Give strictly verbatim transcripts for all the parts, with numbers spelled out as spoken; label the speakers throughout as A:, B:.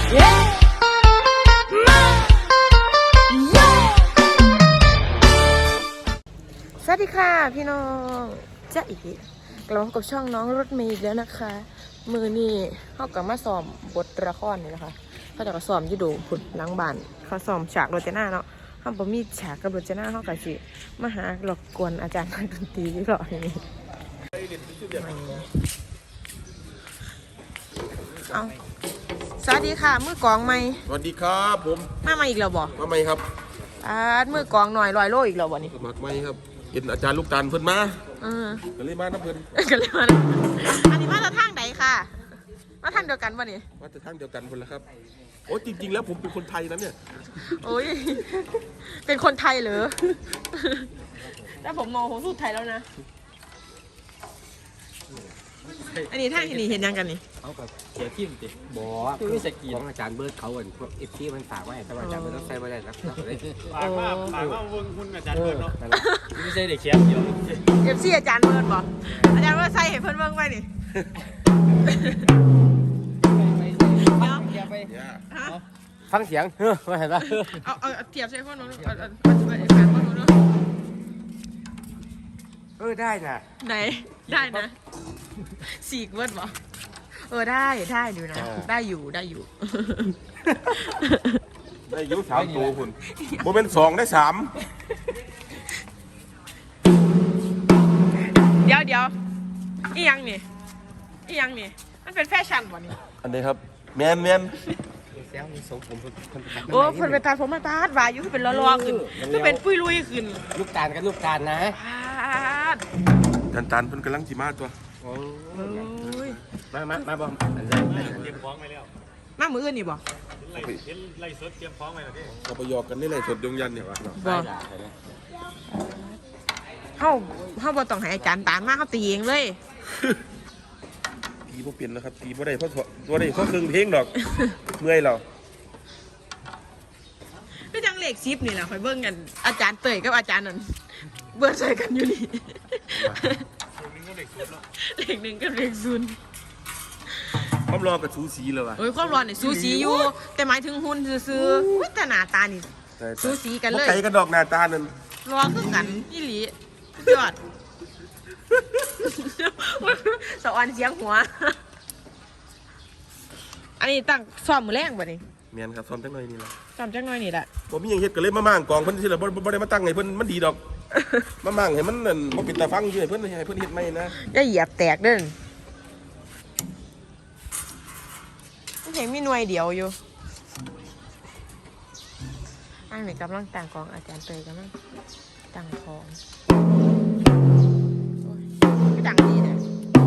A: สวัสดีค่ะพี่น้องจ๊ะอีกกลับมากับช่องน้องรถเมย์อีกแล้วนะคะมือนี่เขากลับมาซ้อมบทละครนี่นะคะเขาจะก็ซ้อมยี่ดูผุดล้างบ้านเขาซ้อมฉากโรจนาเนาะเขาบ่มีฉากกับโรจนาเขากะสิมาหาหลอกกวนอาจารย์ดนตรีที่หล่ออย่างนี้เอาสวัสดีค่ะมือกองไหม
B: สวัสดีครับผม
A: มามาอีกแล้วบ่
B: มาไหมครับ
A: อามือกองหน่อยลอยโลอีกแล้วบ่นี่
B: สมัครไหมครับเห็นอาจารย์ลูกตาลเพิ่นมา
A: เออ
B: ก็เลยมาน้ำเพิ่น
A: ก็เลยมาอันนี้มาจากทางไหนค่ะมาทางเดียวกันป่ะนี่
B: มาจากทางเดียวกันคนละครับโอ้จริงๆแล้วผมเป็นคนไทยนะเนี่ย
A: โอ้ยเป็นคนไทยเหรอแต่ผมมองผมสู้ไทยแล้วนะอันนี้ท่านที่นี่เห็นยังกันนี่
C: เขากับเสียทิมติบอคือสกีของอาจารย์เบิร์ดเขาเหมือนพวกเอฟซีมันฝากไว้แต่ว่าอาจารย์เบิร์ดต้องใส่ไม่ได้นะ
D: ฝากว่าฝากว่าเวิงคุณอาจารย์เบิร์ดเนาะไม่ใช่เด็กเชียร์เดียว
A: เอฟซีอาจารย์เบิร์ดบอกอาจารย์เบิร์ดใส่เห็นเพิ่นเบิ่งไว้นี่
C: ฟังเสียงเฮ้ยมาเห็นปะ
A: เอาเอาเทียบใส่คนนู้นเอาเอาเอาไปฝากคนนู้นเนาะ
C: เออได้น่ะ
A: ไหนได้นะสี่เวิร์ดบอกเออได้ได้อยู่นะได้อยู่ได้อยู่
B: ได้ยุสามตัวคุณโมเป็นสองได้สาม
A: เดี๋ยวเดี๋ยวอียังนี่อียังนี่มันเป็นแฟชั่นวะนี่
B: อันนี้ครับแมนแมน
C: เสียงมีทรงผม
A: โอ้เพิ่นไปตัดผมมาตัดวาอยู่คือเป็นล้อๆขึ้นคือเป็นปุ้ยลุยขึ้น
C: ลูกตาลกับลูกตาลนะ
B: ตันตันเพิ่นกำลังจีมาตัว
A: โอ้ย
C: มามามาบอม
D: เตรียมฟ้องไปแล้ว
A: มามืออื่นนี่บ่
D: เห็นไล่สดเตรียมฟ้องไปแล้วที่
B: เราไปหยอกกันนี่เลยสดดวงยันเนี่ย
A: บ่เฮาเฮาบ่ต้องให้อาจารย์ตามมาเฮาตีเองเลย
B: ตีบ่เปลี่ยนแล้วครับตีบ่ได้เพราะบ่ได้เพราะครึ่งเพลงดอกเมื่อยเรา
A: คือจังเลขสิบนี่แหละค่อยเบิ่งกันอาจารย์เตยกับอาจารย์นั่นเบิ่งใส่กันอยู่นี่เลขหนึ่งกับเลขศูนย์
B: ความรอกับสูสีเลยว่ะ
A: โอ้ยความรอเนี่ยสูสีอยู่แต่หมายถึงหุ่นซื่อๆวิตหน้าตานี่สูสีกันเลย
B: ไก่กระดอกหน้าตานั่น
A: รอคือกันอีหลียอดสวรรค์เสียงหัวอันนี้ตั้งซ้อมมือแรงป่ะนี่
B: เมียนครับซ้อมจังหน่อยนี่แหละ
A: ซ้อมจังหน่อยนี่แหละ
B: ผมมีอย่างเฮ็ดก็เลยมามั่งกองเพิ่นสิล่ะบ่บ่ได้มาตั้งให้เพิ่นมันดีดอกมามั่งให้มันนั่นบ่เป็นตาฟังอยู่ให้เพิ่นให้เพิ่นเฮ็ดใหม่นะ
A: อย่าเหยียบแตกเด้อมันยังมีหน่วยเดียวอยู่อันนี้กำลังตั้งกองอาจารย์เตยกำลังตั้งของก็ดังดีเนี่ย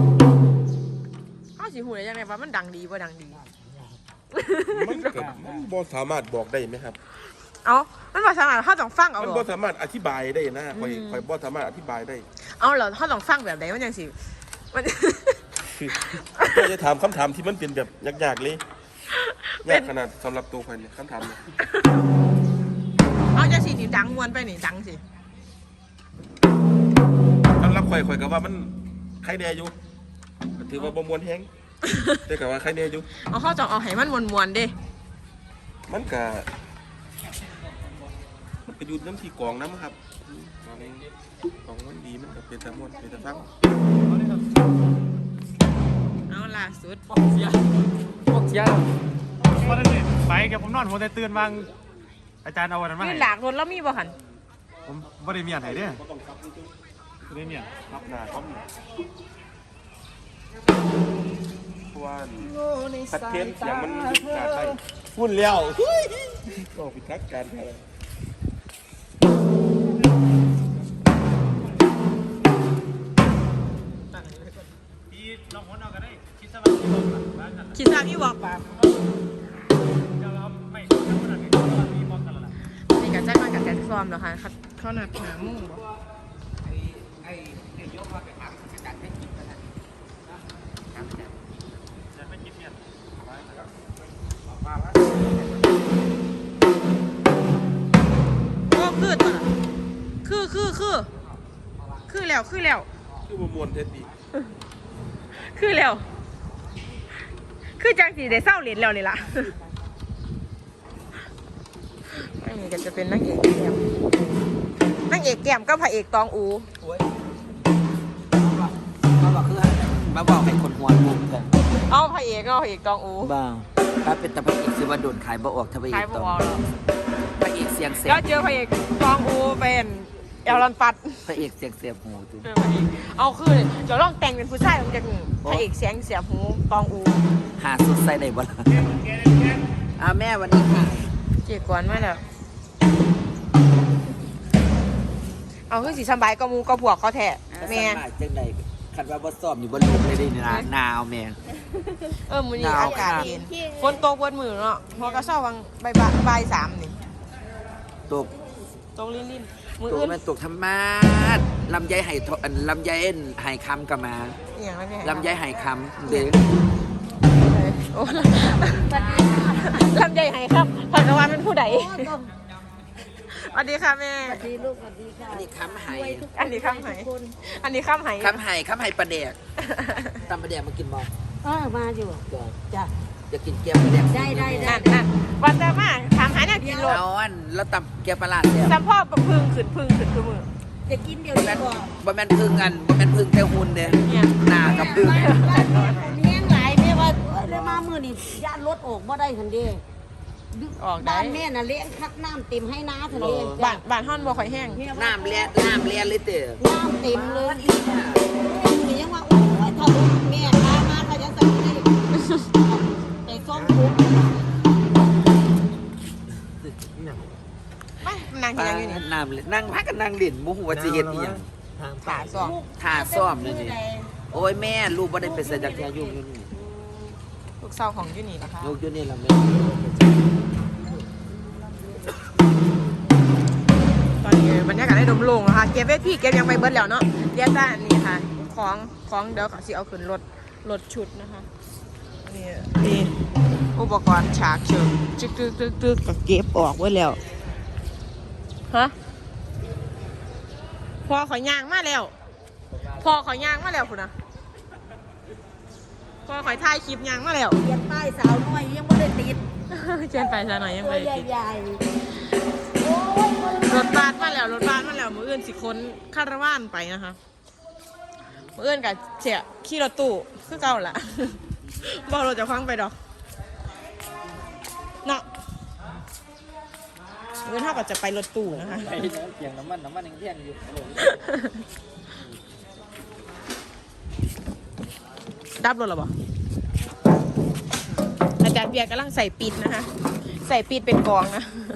A: อ้าวสิหูได้ยังไงว่ามันดังดีว่าดังดี
B: มันก็มันบ่สามารถบอกได้ไหมครับ
A: เอามันบ่สามารถเขาต้องฟังเอา
B: มันบ่สามารถอธิบายได้นะข่อยข่อยบ่สามารถอธิบายได้
A: เอาเหรอเขาต้องฟังแบบไหนมันยังสิมัน
B: ก็จะถามคำถามที่มันเป็นแบบยากๆเลยยากขนาดสำหรับตัวข่อยเนี่ยคำถามเนี่ย
A: เอาจะสินี่ดังมวนไปนี่ดังสิ
B: สำหรับข่อยข่อยก็ว่ามันใครแน่อยู่ถือว่าบ่มวนแฮงแต่ก็ว่าใครแน่อยู่
A: เอาเขาต้องเอาให้มันมวนๆเด้
B: มันก็มันก็อยู่น้ำที่กองน้ำครับกองมันดีมันก็เป็นตะมวนเป็นตะฟัง
A: เอาล่าสุด
C: ปอกเสียปอกเสีย
D: วันนั้นเนี่ยไปกับผมนอนหัวแต่ตื่นบางอาจารย์เอาวันนั้นมาให้
A: หลากรถแล้วมีบ่หัน
D: ผมบ่ได้เมียนให้เด้อบ่ได้เมียน
B: รับหน้าครับเพราะว่าสัดเทนเสียงมันขาดไปฝุ่นแล้วก็พิทักษ์การอะไร
D: พี่ลองหัวเอากันได้คิดซะว่าพี่บอกบ้านกัน
A: คิดซะพี่บอกป่ะ
D: จะเอาไม่ทำขนาดนี้พี่บอกกันแล้วล่ะ
A: นี่ก็แจ้งมากับแกนฟอร์มแล้วค่ะเขาหนักหนามุ่งบ่
C: ไอ้ไอ้ไอ้ยกมาไปถามอาจารย์ให้กินกันนะ
D: จะไม่คิดเนี่ย
A: โอ้คือตัวน่ะคือคือคือคือแล้วคือแล้ว
B: คือมวนเท็ดดี
A: คือแล้วคือจังสีได้เศร้าเหรียญแล้วนี่ล่ะนี่ก็จะเป็นนางเอกแก้มนางเอกแก้มก็พระเอกตองอู
E: โอ้ยมาบอกคือมาบอกให้คนหัวมุมกัน
A: เอาพระเอกเอาพระเอกตองอู
E: บ้างถ้าเป็นตะพระเอกสิว่าโดนขายบ่ออกทะพระเอ
A: ขาย
E: ก
A: บ
E: ต้อง
A: อล
E: พระเอกเสียงเสีย
A: แล้ว
E: บ
A: เจอพระเอกตองอูเป็นเอลลอนปัด
E: พระเอกเสียงเสียบหูจุ
A: เจอพระเอกเอาคือจะลองแต่งเป็นผู้ชายมันจะพระเอกเสียงเสียบหูตองอู
E: หาสุดใส่ได้บ่ล่ะอ้าวแม่วันนี้ค่ะ
A: เจียกวนมาแล้วเอาคือสีสบายก็มูก็บวกเขาแทะแม่
E: สบายจังไดคันว่าบ่ซ้อมอยู่บ่ลุกเลยเดินะหนาวแม่
A: เออมือนี้
E: หนาว
A: อากาศเย็นฝนตกบนมือเนาะพอกระเช้าวังใบายบ่ายสามนี่
E: ตก
A: ตกลิ้นลิ้นมือ
E: ตก
A: อื่น
E: มันตกธรรมาดลำไยไห่ทอันลำไยเอ็นไห่คำก็มา
A: อหย่างไรแม่
E: ลำไยไห่คำเด้อ
A: โอ้ลำใหญ่ไหครับผักกะวานเป็นผู้ใดสวัสดีค่ะแม่
F: สวัสดีลูกสวัสดีค่ะ
E: อันนี้คำไห่
A: อันนี้ข้ามไหอันนี้ข้ามไห
E: คำไห่คำไห่ปลาแดกตำปลาแดกมากินบ่
F: เออมาอยู่จ้ะ
E: จะกินแกงปลาแดก
F: ได้ได้ได้
A: นั่นนั่นวันแต่มาถามหาเนี่ยกินรถ
E: เอาอันแล้วตำแกงปลาลาดเนี่ย
A: สัมพ่อพึ่งขึ้นพึ่งขึ้นคือมือ
F: จะกินเดี๋ยว
E: บ่
F: นี้
E: แม่น
F: ก่อน
E: บ่แม่นพึ่งกันบ่แม่นพึ่งแต่หุ่นเด้
A: เนี่ย
E: หน้ากับพึ่ง
F: บ้านบ้านผมแห้งหลายแม่ว่าเอ้ยเลยมามือนี่ย่านรถออกบ่ได้ทันเดี
A: ออกได้
F: บ้านแม่น่ะเลี้ยงคักน้ำเต็มให้น้าทันเดี
A: บ้านบ้านห้อนบ่ค่อยแห้ง
E: น้ำเลียนน้ำเลียนเลยเด้อ
F: น้ำเต็มเลยนี่ยังว่าโอ้ยถ้าลูกแม่พามาเขาจะสั่งให้แต่ส้มทุก
A: ไปนั่งที่นั่งอยู่นี่
E: น้ำเลียนนั่งพักกันนั่งเล่นบ่ฮู้ว่าสิเฮ็ดอีหยัง
A: ขาสอง
E: ท่าซ้อมนี่นี่โอ้ยแม่ลูกบ่ได้ไปใส่จักรยานยุ่งอยู่นี่
A: ลูกสาวของยูนี่นะคะ
E: ลูกอยู่นี่ล่ะแม่
A: ตอนนี้บรรยากาศได้ดมโลงนะคะเก็บเวทีเก็บยังไปเบิดแล้วเนาะเดี๋ยวจ้านี่ค่ะของของเดี๋ยวเขาสิเอาขึ้นรถรถชุดนะคะนี่นี่อุปกรณ์ฉากเชิงจึกตึกตึกตึกก็เก็บออกไว้แล้วฮะพอขอยยางมาแล้วพอขอยยางมาแล้วคุณนะพอขอยถ่ายคลิปยางมาแล้ว
F: เรียนป้ายสาวน้อยยังไม่ได้ติด
A: เจนไปซะหน่อยยัง
F: ตัว
A: ไม่ได้ติด
F: ใหญ่ๆโอ้ย
A: รถบัสมาแล้วรถบัสมาแล้วมืออื่นสิค้นคาราวานไปนะคะมืออื่นกับเสียขี่รถตู้คือเก่าละ บอกรถจะคว้างไปดอกเนาะมืออื่นเท่ากับจะไปรถตู้นะคะ
E: ไปเสียงน้ำมันน้ำมันยังเที่ยงอยู่
A: ดับรถหรอบ่อาจารย์เบียร์กำลังใส่ปิดนะคะ ใส่ปิดเป็นกองนะ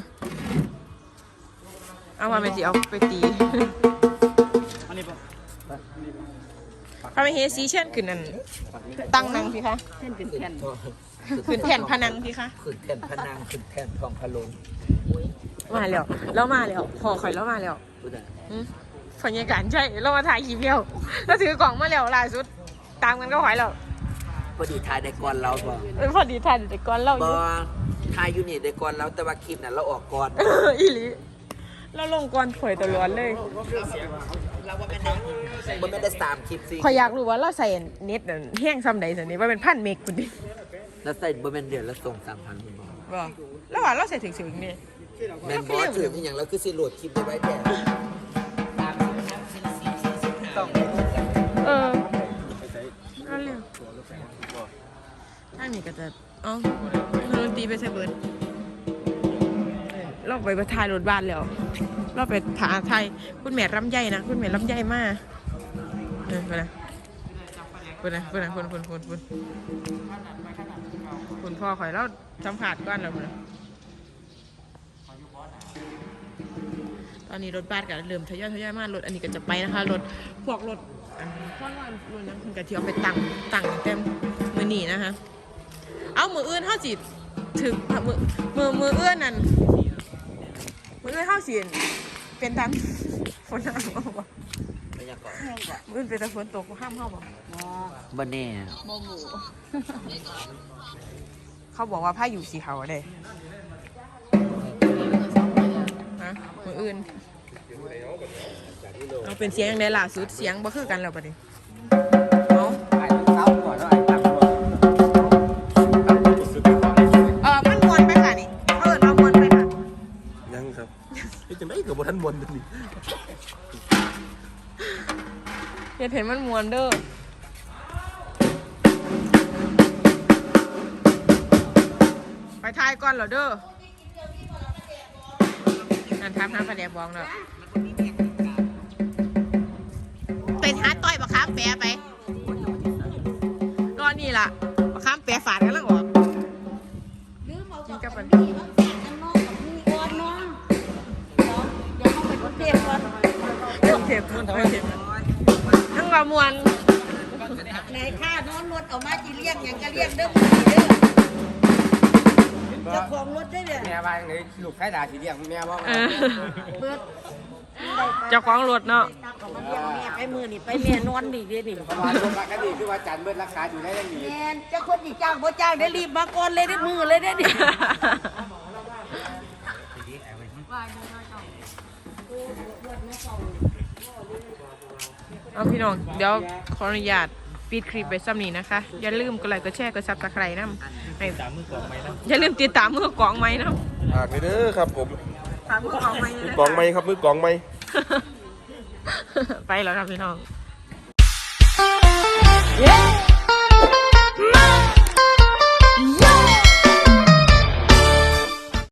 A: เอามาเป็นสิเอาไปตี
D: อันนี้ปะ
A: พระมเหสีเช่นขึ้นนั่นตั้งนังพี่คะ
F: เส้นเป็นแผ่น
A: ขึ้นแผ่นพนังพี่คะ
E: ขึ้นแท่นพนังขึ้นแท่นทองพะโลง
A: มาแล้วแล้วมาแล้วพอข่อยแล้วมาแล้ว
E: พูดได้
A: อืมบรรยากาศใช่เรามาถ่ายคลิปเดียวแล้วถือกล่องมาแล้วล่าสุดตามกันก็ไหวแล้ว
E: พอดีทายได้ก่อนเราบ่
A: เออพอดีถ่ายแต่ก่อนเล่าอ
E: บ่
A: ยู่
E: ทายอยู่นี่ได้ก่อนเราแต่ว่าคลิปน่ะเราออกก่อน
A: เอออีหลีเราลงก่อนข่อยตัวร้อนเลย
E: เราว่าแม่นบ่แม่นได้สามคลิปสิ
A: ข่อยอยากรู้ว่าเราใส่เน็ตนั่นแห้งซ้ำใดสันนี้ว่าเป็นพันเมกคุณดิ
E: แล้วใส่บ่แม่นเดือนละส่งสามพันคุณบ่
A: ว่าแล้วว่าเราใส่ถึงถึงนี่
E: แม่นบ่ถืออีหยังแล้วคือสิโหลดคลิปได้ไว้แท้ต้อง
A: เออนั่นเร็วถ้านี่ก็จะเอ๋อดนตรีไปใส่เบิร์ดเราไปประทายรถบ้านแล้วเราไปถ่ายไทยคุณแม่ลำไยนะคุณแม่ลำไยมากเออไปนะไปนะไปนะคุณคุณคุณคุณคุณพ่อข่อยแล้วสัมผัสก้อนแล้วนะตอนนี้รถบัสก็เริ่มทยอยทยอยมารถอันนี้ก็จะไปนะคะรถพวกรถอันพ่อว่ารถนั้นคุณกะเทียมไปตั้งตั้งเต็มมือหนีนะคะเอามืออื่นเท่าจิตถึงมือมือมือเอื้อนนั่นมือเอื้อนเท่าสิเป็นตันฝนตกบ่
E: บรรยากาศ
A: มืออื่นเป็นตะฝนตกห้ามเข้าบ่
E: บ่แน่
A: บ่หมูเขาบอกว่าผ้าอยู่สีขาวเด้ฮะมืออื่นเอาเป็นเสียงยังไงล่ะสุดเสียงบ่คือกันแล้วปะดิเอา
E: ไอ้เต้าก่อนแล้วไอ้ตั้งก่อน
A: เออมันมวนไปค่ะนี่เขาเอิญมามวนไปค่ะ
B: ยังครับมวนตัวนี้
A: อย่าเห็นมันมวนเด้อไปทายก่อนเหรอเด้อนั่นทับน้ำปลาแดกบองเนาะเป็นฮาร์ดต่อยปะครับแปะไปก็นี่ล่ะปะครับแปะฝาดกันแล้วออก
F: ลืมเอากับกับพี่บางแสนน้องกับพี่ก่อนน้องเดี๋ยวเดี๋ยวเขาไปกรุงเทพก่อน
A: เจ็บเจ็บมันทำไมเจ็บทั้งว่ามวน
F: ไหนค่านอนรถเอามาจีเรียกอย่างก็เรียกเด้อมือเด้อเจ้าของรถได้เนี่ย
C: แม่ว่าเลยลูกไข่ดาสีเดียงแม่ว่า
A: เออ
F: เบิด
A: เจ้าของรถเนาะ
F: ตักออกมาเรียกแม่ไปมือนี่ไปแม่นอนนี่เด้อนี่
C: ประมาณลูกปกติคือว่าจันเบิดราคาอยู่ได้ยังดี
F: แม่นเจ้าคนที่จ้างบ่จ้างได้รีบมาก่อนเลยได้มือเลยได้ดิ
A: เอาพี่น้องเดี๋ยวขออนุญาตปิดคลิปไปซ้ำนี้นะคะ อย่าลืมกดไลค์กดแชร์กดซับสไครต์นะให้ตามมือกองไม้นะอย่าลืมติดตามมือกองไม้นะ
B: อ่านไปเด้อครับผม
A: ตามมือกองไม้
B: มือกองไม้ครับมือกองไม้
A: ไปแล้วครับพี่น้อง